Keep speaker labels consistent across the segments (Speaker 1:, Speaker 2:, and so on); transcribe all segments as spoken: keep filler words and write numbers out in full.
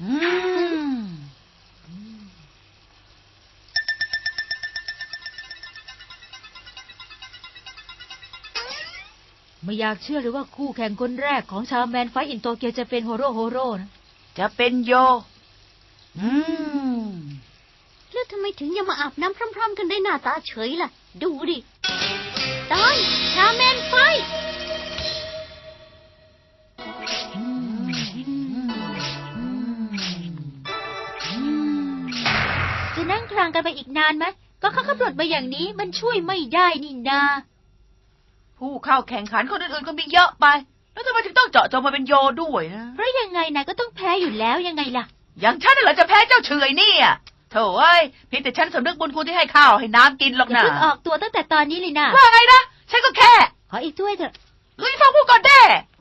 Speaker 1: ไม่อยากเชื่อเลยว่าคู่แข่งคนแรกของชาวแมนไฟอินโตเกียวจะเป็นโฮโร่โฮโร่นะ
Speaker 2: จะเป็นโยอืม
Speaker 3: แล้วทำไมถึงยังมาอาบน้ำพร้อมๆกันได้หน้าตาเฉยล่ะดูดิตอนชาแมนไฟ
Speaker 1: จะนั่งคลางกันไปอีกนานไหมก็เขากำหนดมาอย่างนี้มันช่วยไม่ได้นี่นา
Speaker 2: ผู้เข้าแข่งขันคนอื่นๆก็มีเยอะไปแล้วทำไมถึงต้องเจาะจงมาเป็นโยด้วยนะ
Speaker 1: เพราะยังไงนายก็ต้องแพ้อยู่แล้วยังไงล่ะ
Speaker 2: อย่างฉันน่ะเหรอจะแพ้เจ้าเฉยเนี่ยโถ่เอ้ยเพียงแต่ฉันสำนึกบุญคุณที่ให้ข้าวให้น้ำกินหรอกนะ
Speaker 1: อย่าเพิ่งออกตัวตั้งแต่ตอนนี้เลยนะ
Speaker 2: ว่าไงนะฉันก็แค่
Speaker 1: ขออีกถ้วยเถอะ
Speaker 2: เฮ้ยฟังพูดก่อนเด้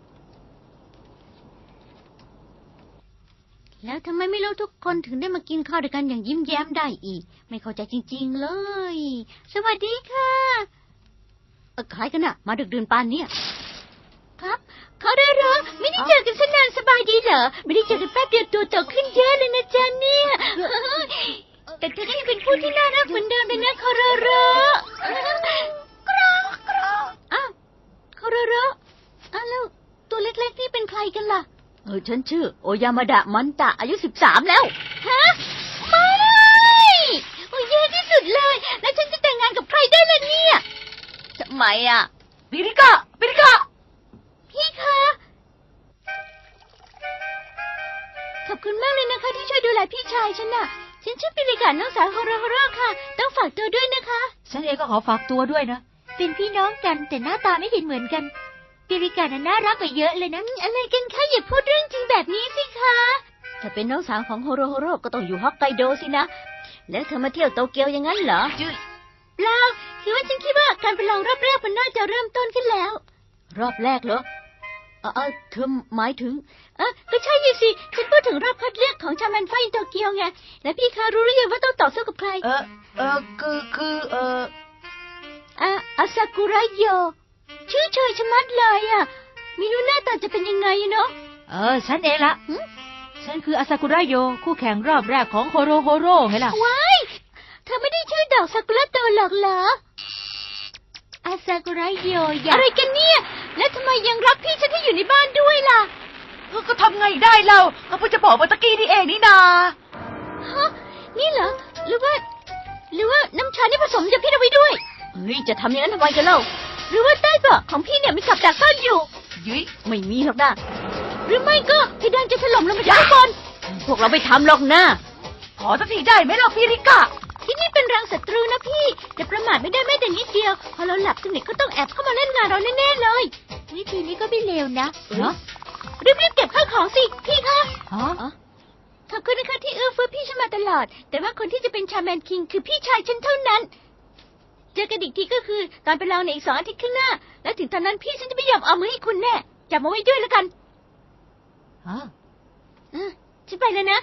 Speaker 3: แล้วทำไมไม่รู้ทุกคนถึงได้มากินข้าวด้วยกันอย่างยิ้มแย้มได้อีกไม่เข้าใจจริงๆเลยสวัสดีค่ะเออใครกันน่ะมาดึกดื่นปานเนี่ยครับเขาได้เหรอไม่ได้เจอกันนานสบายดีเหรอไม่ได้เจอกันแป๊บเดียวตัวโตขึ้นเยอะเลยนะจ๊ะเนี่ยแต่เธอก็ยังเป็นผู้ที่น่ารักเหมือนเดิมเลยนะคาราโร่กรอกรออ้าวคาราโร่อ้าวแล้วตัวเล็กๆนี่เป็นใครกันล่ะเออฉันชื่อโอยามาดะมันตะอายุสิบสามแล้วฮะไม่โอ้ยแย่ที่สุดเลยแล้วฉันจะแต่งงานกับใครได้ล่ะเนี่ยทำไมอ่ะ
Speaker 2: ปิริกะปิริกะ
Speaker 3: พี่คะขอบคุณมากเลยนะคะที่ช่วยดูแลพี่ชายฉันน่ะฉันชื่อปิริกะน้องสาวฮอร์ฮอร์ค่ะต้องฝากตัวด้วยนะคะ
Speaker 1: ฉันเองก็ขอฝากตัวด้วยนะเป็นพี่น้องกันแต่หน้าตาไม่เห็นเหมือนกันปิริกะน่ารักกว่าเยอะเลยนะ
Speaker 3: อะไรกันคะอย่าพูดเรื่องจริงแบบนี้สิคะถ้าเป็นน้องสาวของฮอร์ฮอร์ก็ต้องอยู่ฮอกไกโดสินะแล้วเธอมาเที่ยวโตเกียวอย่างนั้นเหรอเปล่าคือว่าฉันคิดว่าการประลองรอบแรกมันน่าจะเริ่มต้นขึ้นแล้วรอบแรกเหรอเออเธอหมายถึงเออก็ใช่สิฉันพูดถึงรอบคัดเลือกของชาแมนไฟโตเกียวไงและพี่คะรู้หรือยังว่าต้องต่อสู้กับใคร
Speaker 2: เออเออคือคือเออ
Speaker 3: อะอาซากุระโยชื่อเชยชะมัดเลยอ่ะไม่รู้หน้าตาจะเป็นยังไงเนาะ
Speaker 1: เออฉันเองละฉันคืออาซากุระโยคู่แข่งรอบแรกของโฮโรโฮโร่ไงล่ะ
Speaker 3: ว้ายเธอไม่ได้ชื่อดอกซากุระโตหรอกเหรออาซากุระโยอะไรกันเนี่ยแล้วทำไมยังรับพี่ฉันที่อยู่ในบ้านด้วยล่ะ
Speaker 2: ก็ทำไงได้เราเขาเพิ่งจะบอกเมื่อกี้นี่เองนี่นา
Speaker 3: ฮะนี่เหรอหรือว่าหรือว่าน้ำชานี่ผสมยาพิษเอาไว้ด้วยเฮ้ยจะทำอย่างนั้นทำไมกันเล่าหรือว่าใต้เบาะของพี่เนี่ยมีกับดักซ่อนอยู่
Speaker 2: ยุ้ย
Speaker 3: ไม่มีหรอกนะหรือไม่ก็เพดานจะถล่มลงมาจากข้างบนพวกเราไม่ทำหรอกนะ
Speaker 2: ขอสักทีได้ไหมล่ะพี่ริกะ
Speaker 3: ที่นี่เป็นรังศัตรูนะพี่แต่ประมาทไม่ได้แม้แต่นิดเดียวพอเราหลับสนิทก็ต้องแอบเข้ามาเล่นงานเราแน่ๆเลยวิธีนี้ก็ไม่เลวนะ
Speaker 1: เนาะ
Speaker 3: รีบๆเก็บข้าวของสิพี่คะ
Speaker 1: อ๋อ
Speaker 3: ขอบคุณนะคะที่เอื้อเฟื้อพี่ฉันมาตลอดแต่ว่าคนที่จะเป็นชาแมนคิงคือพี่ชายฉันเท่านั้นเจอกันอีกทีก็คือตอนไปลองในอีกสองอาทิตย์ข้างหน้าแล้วถึงตอนนั้นพี่ฉันจะไม่ยอมเอามือให้คุณแน่จับมาไว้ด้วยแล้วกัน
Speaker 1: อ๋อ
Speaker 3: ฉันไปแล้วนะ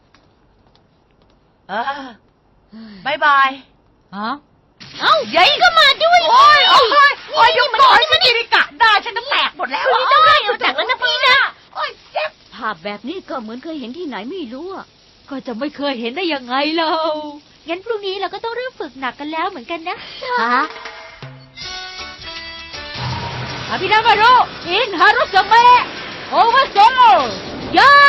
Speaker 2: เออบายบาย
Speaker 1: อ๋อ
Speaker 3: เอ้ายัยก็มาด้วย
Speaker 2: โอ้ยโอ้ยโอ้ยยกก่อนมันอิริกะได้ฉันจะแตกหมดแล้ว
Speaker 3: คุณต้องให้เอาจากแล้วนะพี่นะ
Speaker 2: โอ้ยเจ็บ
Speaker 3: ภาพแบบนี้ก็เหมือนเคยเห็นที่ไหนไม่รู้อ่ะ
Speaker 1: ก็จะไม่เคยเห็นได้ยังไงเล่างั้นพรุ่งนี้เราก็ต้องเริ่มฝึกหนักกันแล้วเหมือนกันนะ
Speaker 3: ฮะ
Speaker 1: อาบินามารุอินฮารุสเมะโอเวอร์โซยา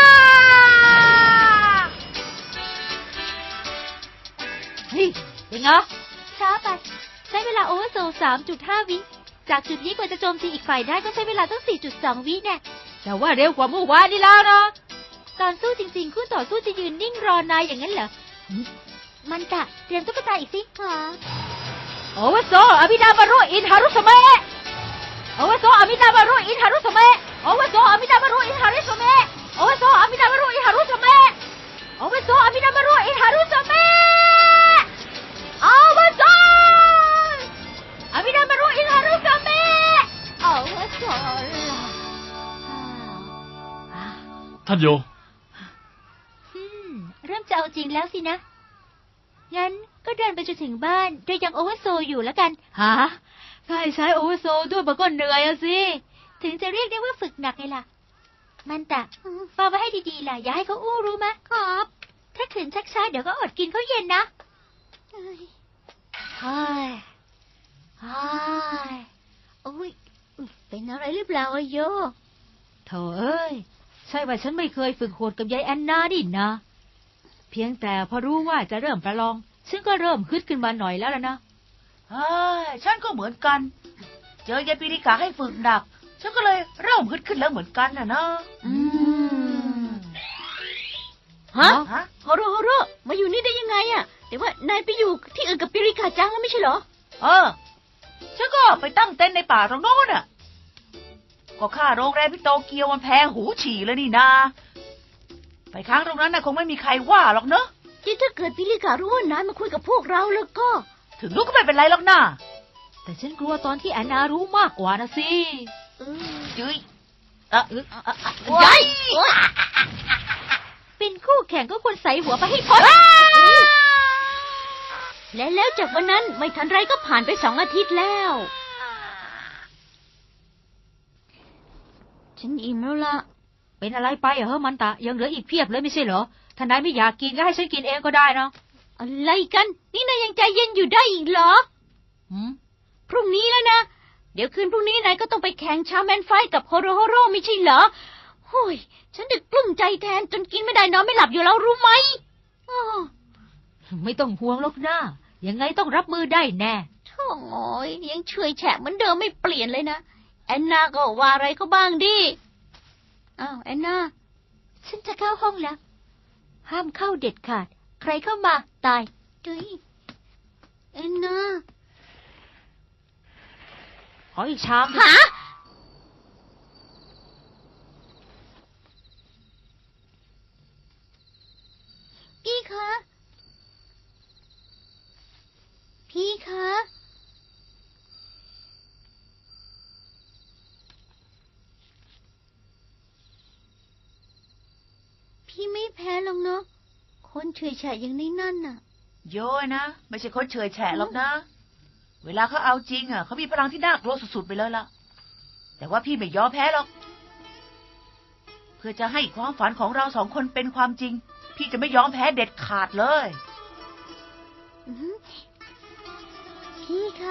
Speaker 1: เฮ้ยเป็นไงช้าไปใช้เวลาโอเวอร์โซ สามจุดห้า วิจากจุดนี้กว่าจะโจมตีอีกฝ่ายได้ก็ใช้เวลาตั้ง สี่จุดสอง วิแน่แต่ว่าเร็วกว่าเมื่อวานนี่แล้วนะตอนสู้จริงๆคู่ต่อสู้จะยืนนิ่งรอนายอย่างนั้นเหรอมันตะเตรียมตุ๊กตาอีกสิค่ะโอเวอร์โซอาบินามารุอินฮารุสเมะโอเวอร์โซอาบินามารุอินฮารุสเมะโอเวอร์โซอาบินามารุอินฮารุสเมะโอเวอร์โซอาบินามารุอินฮารุสเมะโอเวอร์โซอาบินามารุอินฮารุสเมะโอเวอร์โซอาบินามารุอินฮารุสเมะโอเวอร์โซ
Speaker 4: ท่านโย
Speaker 1: เริ่มจะเอาจริงแล้วสินะงั้นก็เดินไปจนถึงบ้านโดยยังโอเวอร์โซอยู่แล้วกันฮะถ้าให้ใช้โอเวอร์โซด้วยมันก็เหนื่อยอะสิถึงจะเรียกได้ว่าฝึกหนักไงล่ะมันตะฟังไว้ให้ดีๆล่ะอย่าให้เขาอู้รู้ไหมครับ ถ้าขืนชักช้าเดี๋ยวก็อดกินข้าวเย็นนะเฮ้ยเฮ้ย
Speaker 3: โอ้ยอุ๊ยเป็นอะไรหรือเปล่าอะโย
Speaker 1: โถเอ้ยใช่ว่าฉันไม่เคยฝึกโหดกับยายแอนนาดินะเพียงแต่พอรู้ว่าจะเริ่มประลองฉันก็เริ่มฮึดขึ้นมาหน่อยแล้วล่ะนะ
Speaker 2: เฮ้ยฉันก็เหมือนกัน เจอยายปีริกาให้ฝึกหนัก ฉันก็เลยเริ่มฮึดขึ้นแล้วเหมือนกันน่ะนะ
Speaker 3: อืมฮะ
Speaker 2: ฮะ
Speaker 3: โฮโรโฮโรมาอยู่นี่ได้ยังไงอะแต่ว่านายไปอยู่ที่อื่นกับปิริกาจังแล้วไม่ใช่เหรอ
Speaker 2: เออ ฉันก็ไปตั้งเต็นท์ในป่าตรงโน้นน่ะ ก็ค่าโรงแรมที่โตเกียวมันแพงหูฉี่เลยนี่นา ไปค้างตรงนั้นน่ะคงไม่มีใครว่าหรอกเนอะ
Speaker 3: ที่ถ้าเกิดปิริการู้ว่านายมาคุยกับพวกเราแล้วก็
Speaker 2: ถึงรู้ก็ไม่เป็นไรหรอกนะ
Speaker 1: แต่ฉันกลัวตอนที่แอนนารู้มากกว่านะสิ
Speaker 3: เออ
Speaker 2: จุ้ยเอะเอะเอะเอะ
Speaker 3: ใหญ่
Speaker 1: เป็นคู่แข่งก็ควรใส่หัวไปให้พ้น
Speaker 3: และแล้วจากวันนั้นไม่ทันไรก็ผ่านไปสองอาทิตย์แล้ว ฉันอิ่มแล้วล่ะ
Speaker 1: เป็นอะไรไปเหรอมันตะยังเหลืออีกเพียบเลยไม่ใช่เหรอถ้านายไม่อยากกินก็ให้ฉันกินเองก็ได้นะ
Speaker 3: อะไรกัน นี่นายยังใจเย็นอยู่ได้อีกเหรอ
Speaker 1: หืม
Speaker 3: พรุ่งนี้แล้วนะ เดี๋ยวคืนพรุ่งนี้นายก็ต้องไปแข่งชาแมนไฟท์กับโฮโรโฮโรไม่ใช่เหรอโอ้ยฉันดึกกลุ้มใจแทนจนกินไม่ได้นอนไม่หลับอยู่แล้วรู้ไหมอ้อ
Speaker 1: ไม่ต้องห่วงหรอกนะยังไงต้องรับมือได้แน่
Speaker 3: โถ่โอ้ยยังเฉยแฉะเหมือนเดิมไม่เปลี่ยนเลยนะแอนนาก็ว่าอะไรก็บ้างดิอ้าวแอนนา
Speaker 1: ฉันจะเข้าห้องแล้ว ห้ามเข้าเด็ดขาด ใครเข้ามาตาย
Speaker 3: จุยแอนนา
Speaker 1: ขออีกชาม
Speaker 3: หาพี่คะ พี่คะ พี่ไม่แพ้หรอกเนาะ คนเฉยแฉะอย่างนี้นั่นน่ะ
Speaker 2: โย้ยนะ ไม่ใช่คนเฉยแฉะหรอกนะ เวลาเขาเอาจริงอ่ะเขามีพลังที่น่ากลัวสุดๆไปเลยล่ะ แต่ว่าพี่ไม่ยอมแพ้หรอก เพื่อจะให้ความฝันของเราสองคนเป็นความจริง พี่จะไม่ยอมแพ้เด็ดขาดเลย
Speaker 3: อื้อหือพี่คะ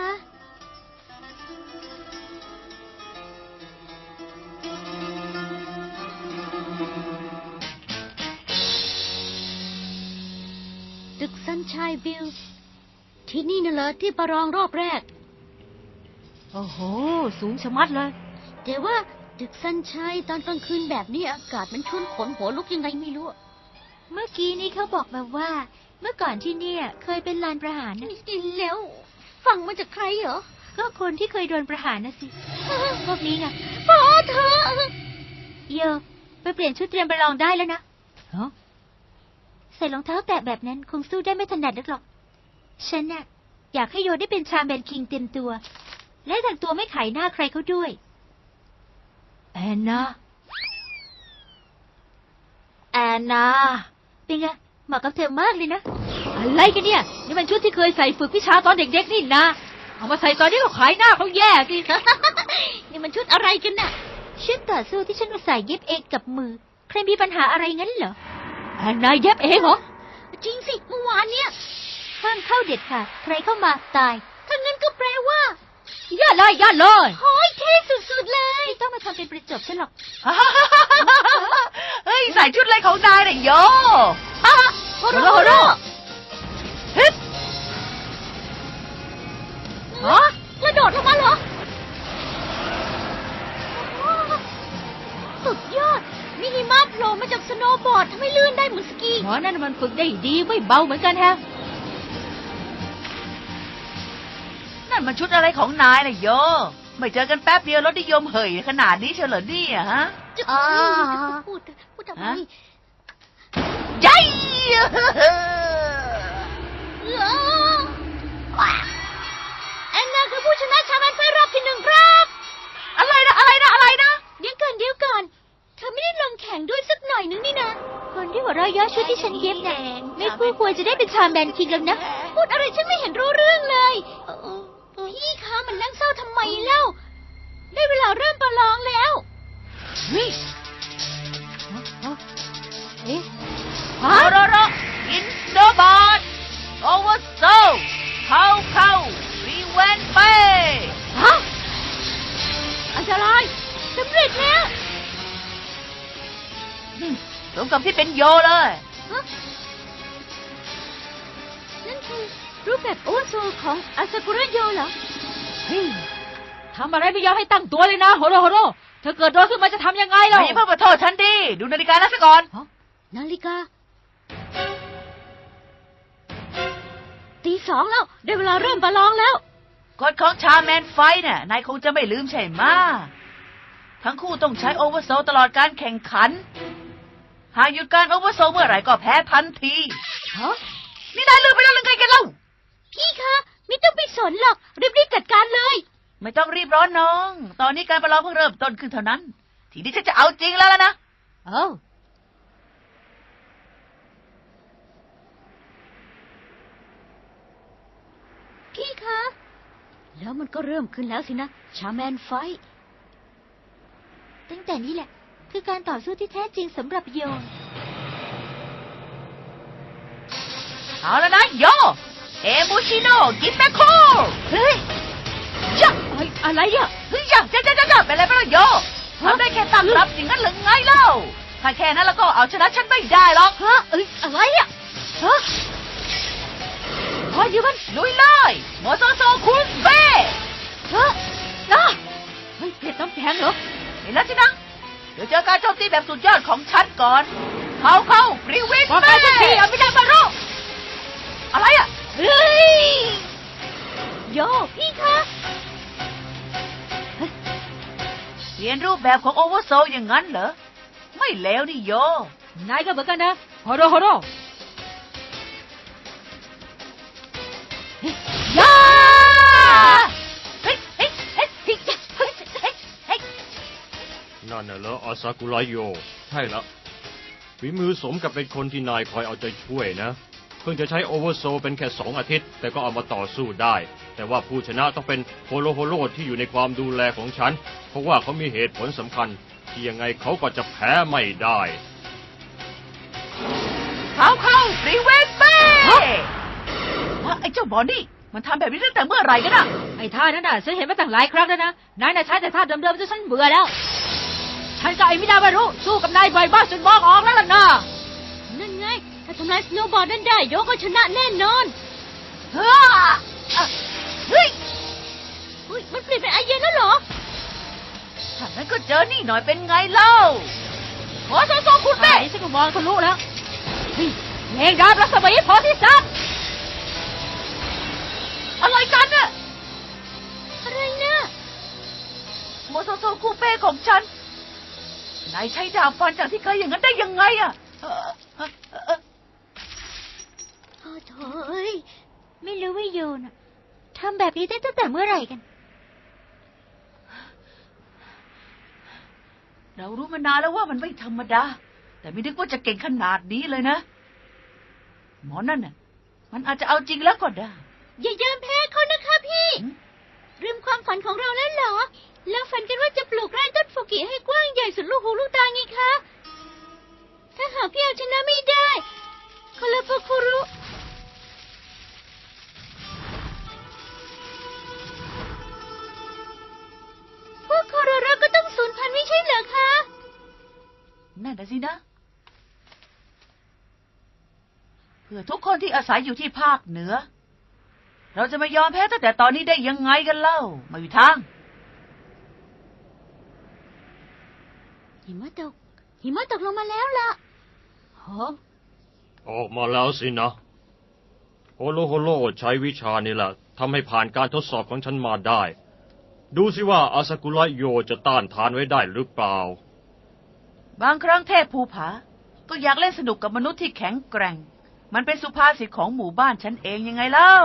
Speaker 3: ตึกซันชัยบิลส์ที่นี่น่ะเหรอที่ประลองรอบแรก
Speaker 1: โอ้โห สูงชะมัดเลย
Speaker 3: แต่ว่าตึกซันชัยตอนกลางคืนแบบนี้อากาศมันชวนขนหัวลุกยังไงไม่รู้อะ
Speaker 1: เมื่อกี้นี้เขาบอกมาว่า เมื่อก่อนที่เนี่ย เคยเป็นลานประหารนะ
Speaker 3: นี่แล้ว ฟังมาจากใครเหรอ
Speaker 1: ก็คนที่เคยโดนประหารนะสิ พวกนี้ไง
Speaker 3: พอเธอ
Speaker 1: เยอะไปเปลี่ยนชุดเตรียมไปลองได้แล้วนะฮะใส่รองเท้าแตะแบบนั้นคงสู้ได้ไม่ถนัดนักหรอก ฉันน่ะ อยากให้โยได้เป็นชาแมนคิงเต็มตัว และแต่งตัวไม่ขายหน้าใครเขาด้วย แอนนา แอนนา เป็นไงเหมาะกับเธอมากเลยนะ อะไรกันเนี่ย นี่มันชุดที่เคยใส่ฝึกวิชาตอนเด็กๆนี่นะ เอามาใส่ตอนนี้ก็ขายหน้าเขาแย่สิ
Speaker 3: นี่มันชุดอะไรกันน่ะ
Speaker 1: ชุดต่อสู้ที่ฉันมาใส่เย็บเองกับมือ ใครมีปัญหาอะไรงั้นเหรอแอนนาเย็บเองเหรอ
Speaker 3: จริงสิเมื่อวานเนี่ย
Speaker 1: ห้ามเข้าเด็ดขาดใครเข้ามาตาย
Speaker 3: ถ้างั้นก็แปลว่า
Speaker 1: ย่าเลยย่าเลย
Speaker 3: โอ้ยเท่สุดๆเลย
Speaker 1: ไม่ต้องมาทำเป็นประจบฉันหรอก
Speaker 2: เฮ้ย ใส่ชุดอะไรของนายเนี่ยโย
Speaker 3: โฮโรโฮโร
Speaker 2: ฮึบ
Speaker 3: ฮะกระโดดลงมาเหรอ สุดยอด มีหิมะโผล่มาจากสโนว์บอร์ดทำให้ลื่นได้เหมือนสกี
Speaker 1: หมอนั่นมันฝึกได้ดีไม่เบาเหมือนกันแฮะ
Speaker 2: นั่นมันชุดอะไรของนายน่ะโย ไม่เจอกันแป๊บเดียวรถนิยมเหยขนาดนี้เฉลอเนี่ยฮะ
Speaker 3: จะ
Speaker 1: อ่า
Speaker 3: พูดพูดทำไม
Speaker 2: ฮะ ยัย
Speaker 3: เออแอนนาคือผู้ชนะชาแมนไฟรอบที่หนึ่งครับ
Speaker 2: อะไรนะ อะไรนะ อะไรนะ
Speaker 3: เดี๋ยวก่อนเดี๋ยวก่อน เธอไม่ได้ลงแข่งด้วยสักหน่อยนึงนี่นะ
Speaker 1: คนที่หัวเราะเย้อชุดที่ฉันเย็บน่ะไม่คู่ควรจะได้เป็นชาแมนคิงแล้วนะ
Speaker 3: พูดอะไรฉันไม่เห็นรู้เรื่องเลย พี่คะมันนั่งเศร้าทำไมเล่า ได้เวลาเริ่มประลองแล้ว
Speaker 2: เฮ้ยโรโรโรอินโดบอทโอเวอร์โซเข้าเข้ารีเวนไป
Speaker 3: ฮะอันตรายสำเร็จแล้ว
Speaker 2: สมกับที่เป็นโยเลย
Speaker 3: ฮะนั่นคือรูปแบบโอเวอร์โซลของอาซากุระโยเหรอ
Speaker 1: เฮ้ยทำอะไรไม่ยอมให้ตั้งตัวเลยนะโฮโรโฮโรเธอเกิดโดนขึ้นมาจะทำยังไงล่ะ
Speaker 2: ไม่เพิ่งมาโทษฉันดิดูนาฬิกาแล้วซะก่อน
Speaker 3: นาฬิกาตีสองแล้ว ได้เวลาเริ่มประลองแล้ว
Speaker 2: กฎของชาแมนไฟน่ะนายคงจะไม่ลืมใช่ไหมะทั้งคู่ต้องใช้โอเวอร์โซลตลอดการแข่งขัน หากหยุดการโอเวอร์โซลเมื่อไหร่ก็แพ้ทันที
Speaker 3: ฮะ
Speaker 2: นี่นายลืมไปแล้วหรือไงกันเล่า
Speaker 3: พี่คะ ไม่ต้องไปสนหรอก รีบๆจัดการเลย
Speaker 2: ไม่ต้องรีบร้อนน้อง ตอนนี้การประลองเพิ่งเริ่มต้นขึ้นเท่านั้น ทีนี้ฉันจะเอาจริงแล้วล่ะนะ
Speaker 1: เอ้า
Speaker 3: พี่คะ แล้วมันก็เริ่มขึ้นแล้วสินะ ชาแมนไฟท์
Speaker 1: ตั้งแต่นี้แหละ คือการต่อสู้ที่แท้จริงสำหรับโย
Speaker 2: เอาแล้วนะโย เอมูชิโนกิเตโคเฮ้ยยะ
Speaker 1: เฮ้ยอะไรอ่ะ
Speaker 2: เฮ้ยยะจ้าจ้าจ้าเป็นไรไปแล้วโยทำได้แค่ตั้งรับอย่างนั้นหรือไงเล่า ถ้าแค่นั้นแล้วก็เอาชนะฉันไม่ได้หรอก
Speaker 3: ฮะ เอ้ย อะไรอ่ะ ฮะ
Speaker 1: พออยู่มัน
Speaker 2: ลุยเลยโมโซโซคุณเบ้
Speaker 1: เฮ้ยนะเฮ้ยเผ็ดน้ำแข็งเหรอ
Speaker 2: เห็นแล้วสินะ เดี๋ยวเจอการโจมตีแบบสุดยอดของฉันก่อน เข้าเข้าฟรีวิน
Speaker 1: ว่าไป
Speaker 2: เบ้
Speaker 1: สักทีเอาไม่ได้มาโร
Speaker 2: อะไรอ่ะ
Speaker 3: เฮ้ย โย พี่คะ
Speaker 2: เปลี่ยนรูปแบบของโอเวอร์โซลอย่างนั้นเหรอ ไม่เลวนี่โย
Speaker 1: นายก็เหมือนกันนะโฮโรโฮโรยา
Speaker 2: เฮ้ยเฮ้ยเฮ้ยเฮ้ยเฮ้ยเฮ้ยเฮ้ย
Speaker 4: นั่นน่ะเหรออาซากุระโย ใช่ละฝีมือสมกับเป็นคนที่นายคอยเอาใจช่วยนะ เพิ่งจะใช้โอเวอร์โซลเป็นแค่สองอาทิตย์ แต่ก็เอามาต่อสู้ได้ แต่ว่าผู้ชนะต้องเป็นโฮโลโฮโลที่อยู่ในความดูแลของฉัน เพราะว่าเขามีเหตุผลสำคัญ ที่ยังไงเขาก็จะแพ้ไม่ได้
Speaker 2: เข้าเข้าฟรีเวนเบ้ไอ้เจ้าบอนี่มันทำแบบนี้ตั้งแต่เมื่อไหร่กันอะ
Speaker 1: ไอ้ท่านั้นน่ะฉันเห็นมาตั้งหลายครั้งแล้วนะนายน่ะใช้แต่ท่าเดิมๆจนฉันเบื่อแล้ว ฉันกับไอ้มินาบารุสู้กับนายบ่อยบ้างจนมองออกแล้วล่ะนะ
Speaker 3: นั่นไง ถ้าทำลายสโนว์บอร์ดนั่นได้ โยก็ชนะแน่นอน
Speaker 2: เฮ้ยเฮ้ย
Speaker 3: อุ้ย มันเปลี่ยนเป็นไอเย็นแล้วเหรอ
Speaker 2: ถ้างั้นก็เจอนี่หน่อยเป็นไงเล่าโมโซโซคุณ
Speaker 1: ไอ้
Speaker 2: เบ้
Speaker 1: ฉันก็มองทะลุแล้วเฮ้ยเพลงดาบรัศมีพอที่สุด
Speaker 2: อะไรกันน่ะ
Speaker 3: อะไรนะ
Speaker 2: โมโซโซคูเป้ของฉัน นายใช้ดาบฟันจากที่เคยอย่างนั้นได้ยังไงอะเอ่อเอ่อเอ่อ
Speaker 3: โอ้โถเอ้ย
Speaker 1: ไม่รู้ว่าโยน่ะทำแบบนี้ได้ตั้งแต่เมื่อไหร่กัน
Speaker 2: เรารู้มานานแล้วว่ามันไม่ธรรมดา แต่ไม่นึกว่าจะเก่งขนาดนี้เลยนะ หมอนั่นน่ะ มันอาจจะเอาจริงแล้วก็ได้
Speaker 3: อย่ายอมแพ้เขานะคะพี่
Speaker 2: หืม
Speaker 3: ลืมความฝันของเราแล้วเหรอ แล้วฝันกันว่าจะปลูกไร่ต้นฟูกิให้กว้างใหญ่สุดลูกหูลูกตาไงคะ ถ้าหากพี่เอาชนะไม่ได้คาราโปคุรุพวกโคโรโรก็ต้องสูญพันธุ์ไม่ใช่เหรอคะ
Speaker 2: นั่นน่ะสินะ เพื่อทุกคนที่อาศัยอยู่ที่ภาคเหนือ เราจะไม่ยอมแพ้ตั้งแต่ตอนนี้ได้ยังไงกันเล่า ไม่มีทาง
Speaker 3: หิมะตก หิมะตกลงมาแล้วล่ะ
Speaker 1: ฮะ
Speaker 4: ออกมาแล้วสินะ โฮโลโฮโลใช้วิชานี่แหละทำให้ผ่านการทดสอบของฉันมาได้ ดูสิว่าอาซากุระโยจะต้านทานไว้ได้หรือเปล่า
Speaker 2: บางครั้งเทพภูผา ก็อยากเล่นสนุกกับมนุษย์ที่แข็งแกร่ง มันเป็นสุภาษิตของหมู่บ้านฉันเองยังไงเล่า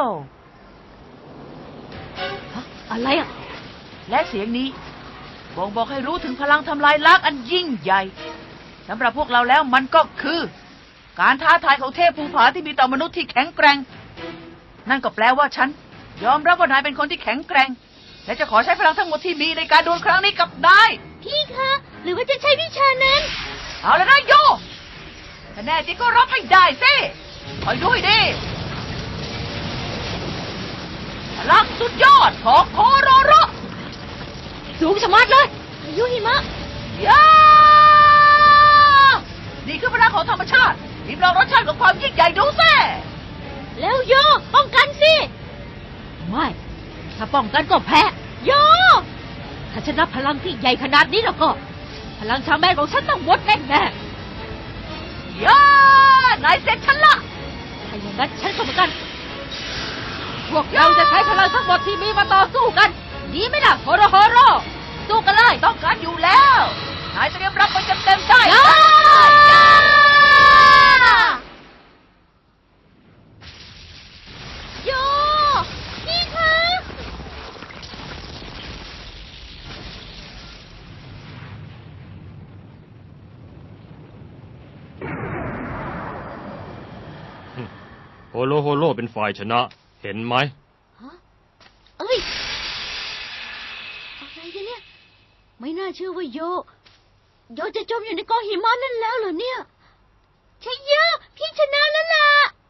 Speaker 1: อะไรอ่ะ
Speaker 2: และเสียงนี้บ่งบอกให้รู้ถึงพลังทำลายล้างอันยิ่งใหญ่สำหรับพวกเราแล้วมันก็คือ การท้าทายของเทพภูผาที่มีต่อมนุษย์ที่แข็งแกร่ง นั่นก็แปลว่าฉันยอมรับว่านายเป็นคนที่แข็งแกร่ง และจะขอใช้พลังทั้งหมดที่มีในการดวลครั้งนี้กับนาย
Speaker 3: พี่คะ หรือว่าจะใช้วิชานั้น
Speaker 2: เอาแล้วนะโยถ้าแน่จริงก็รับให้ได้สิคอยดูให้ดีพลังสุดยอดของโคโรโร
Speaker 3: สูงชะมัดเลยพายุหิมะ
Speaker 2: ยานี่คือพลังของธรรมชาติริมลองรสชาติของความยิ่งใหญ่ดูสิ
Speaker 3: แล้วโยป้องกันสิ
Speaker 1: ไม่ ถ้าป้องกันก็แพ้
Speaker 3: โย
Speaker 1: ถ้าชนะพลังที่ใหญ่ขนาดนี้แล้วก็ พลังชาแมนของฉันต้องหมดแน่แน่
Speaker 2: ยานายเสร็จฉันละ
Speaker 1: ๆถ้าอย่างนั้นฉันก็เหมือนกัน พวกเราจะใช้พลังทั้งหมดที่มีมาต่อสู้กัน ดีไหมล่ะโฮโรโฮโรสู้กันเลย
Speaker 2: ต้องการอยู่แล้วนายเตรียมรับไปเต็มๆได้
Speaker 1: ยา
Speaker 3: โย พี่คะ
Speaker 4: โฮโลโฮโลเป็นฝ่ายชนะ เห็นไหม
Speaker 3: ฮะเอ้ย อะไรกันเนี่ย ไม่น่าเชื่อว่าโย โยจะจมอยู่ในกองหิมะนั่นแล้วเหรอเนี่ยใช่โยพี่ชนะแล้วล่ะ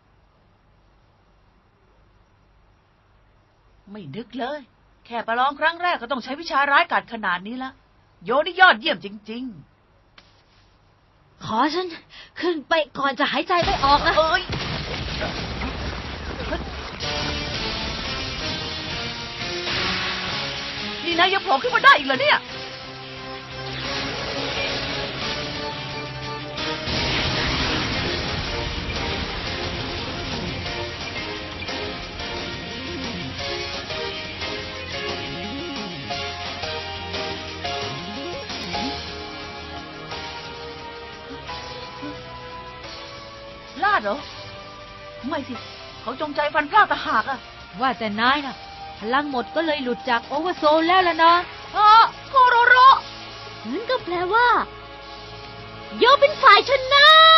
Speaker 2: ไม่นึกเลย แค่ประลองครั้งแรกก็ต้องใช้วิชาร้ายกาจขนาดนี้ละโยนี่ยอดเยี่ยมจริง
Speaker 1: ขอฉันขึ้นไปก่อนจะหายใจไม่ออก
Speaker 2: ๆ
Speaker 1: นะ
Speaker 2: เอ้ยนี่นายยังโผล่ขึ้นมาได้อีกเหรอเนี่ย ลาดเหรอ ไม่สิ เขาจงใจฟันพลาดตะหากอะ
Speaker 1: ว่าแต่นายนะพลังหมดก็เลยหลุดจากโอเวอร์โซลแล้วล่ะนะ
Speaker 2: อ๋อโคโรโร
Speaker 3: นั่นก็แปลว่า โยเป็นฝ่ายชนะ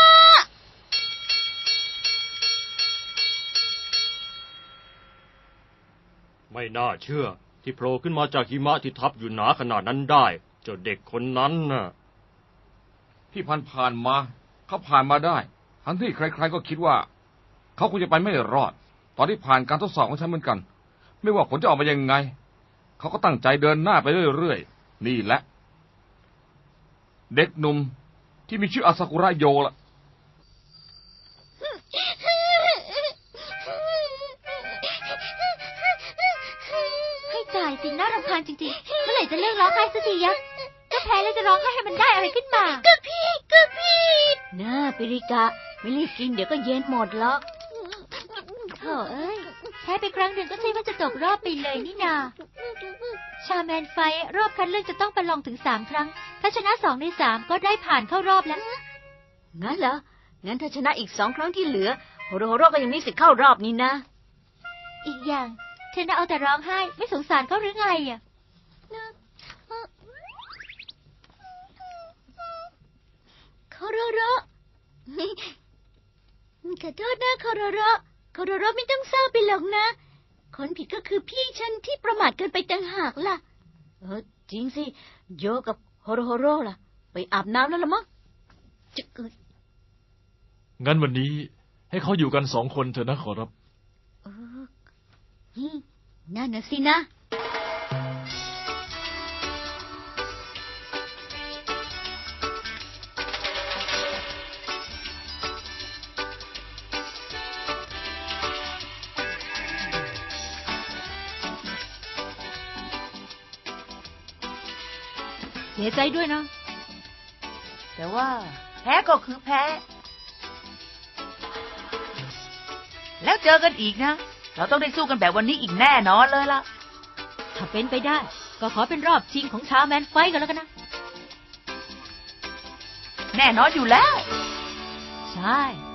Speaker 4: ไม่น่าเชื่อ ที่โผล่ขึ้นมาจากหิมะที่ทับอยู่หนาขนาดนั้นได้ เจ้าเด็กคนนั้นน่ะ
Speaker 5: ที่ผ่านผ่านมา เขาผ่านมาได้ ทั้งที่ใครๆก็คิดว่า เขาคงจะไปไม่รอด ตอนที่ผ่านการทดสอบของฉันเหมือนกัน ไม่ว่าผลจะออกมายังไง เขาก็ตั้งใจเดินหน้าไปเรื่อยๆนี่แหละ เด็กหนุ่มที่มีชื่ออาซากุระโยล่ะ
Speaker 1: ให้ตายสิน่ารำคาญจริงๆ เมื่อไหร่จะเลิกร้องไห้สักทียะก็แพ้แล้วจะร้องไห้ให้มันได้อะไรขึ้นมา
Speaker 3: ก็พี่ก็พี่น่าปิริกะ ไม่รีบกินเดี๋ยวก็เย็นหมดหรอก
Speaker 1: โถ่เอ้ยแพ้ไปครั้งหนึ่งก็ใช่ว่าจะตกรอบไปเลยนี่นา ชาแมนไฟท์รอบคัดเลือกจะต้องประลองถึงสามครั้ง ถ้าชนะสองในสามก็ได้ผ่านเข้ารอบแล้ว
Speaker 3: งั้นเหรอ งั้นถ้าชนะอีกสองครั้งที่เหลือ โฮโรโฮโรก็ยังมีสิทธิ์เข้ารอบนี้นะ
Speaker 1: อีกอย่างเธอน่ะเอาแต่ร้องไห้ ไม่สงสารเขาหรือไงอ่ะ
Speaker 3: โคโรโรขอโทษนะโคโรโรโคโรโรไม่ต้องเศร้าไปหรอกนะ คนผิดก็คือพี่ฉันที่ประมาทเกินไปต่างหากล่ะ เออจริงสิ โยกับโฮโรโฮโรล่ะ ไปอาบน้ำแล้วละมั้งจะเกิด
Speaker 6: งั้นวันนี้ให้เขาอยู่กันสองคนเถอะนะขอรับ
Speaker 3: เออนี่นั่นน่ะสินะ
Speaker 1: เสียใจด้วยนะ
Speaker 2: แต่ว่า แพ้ก็คือแพ้ แล้วเจอกันอีกนะ เราต้องได้สู้กันแบบวันนี้อีกแน่นอนเลยล่ะ
Speaker 1: ถ้าเป็นไปได้ ก็ขอเป็นรอบชิงของชาแมนไฟท์กันแล้วกันนะ
Speaker 2: แน่นอนอยู่แล้ว
Speaker 1: ใช่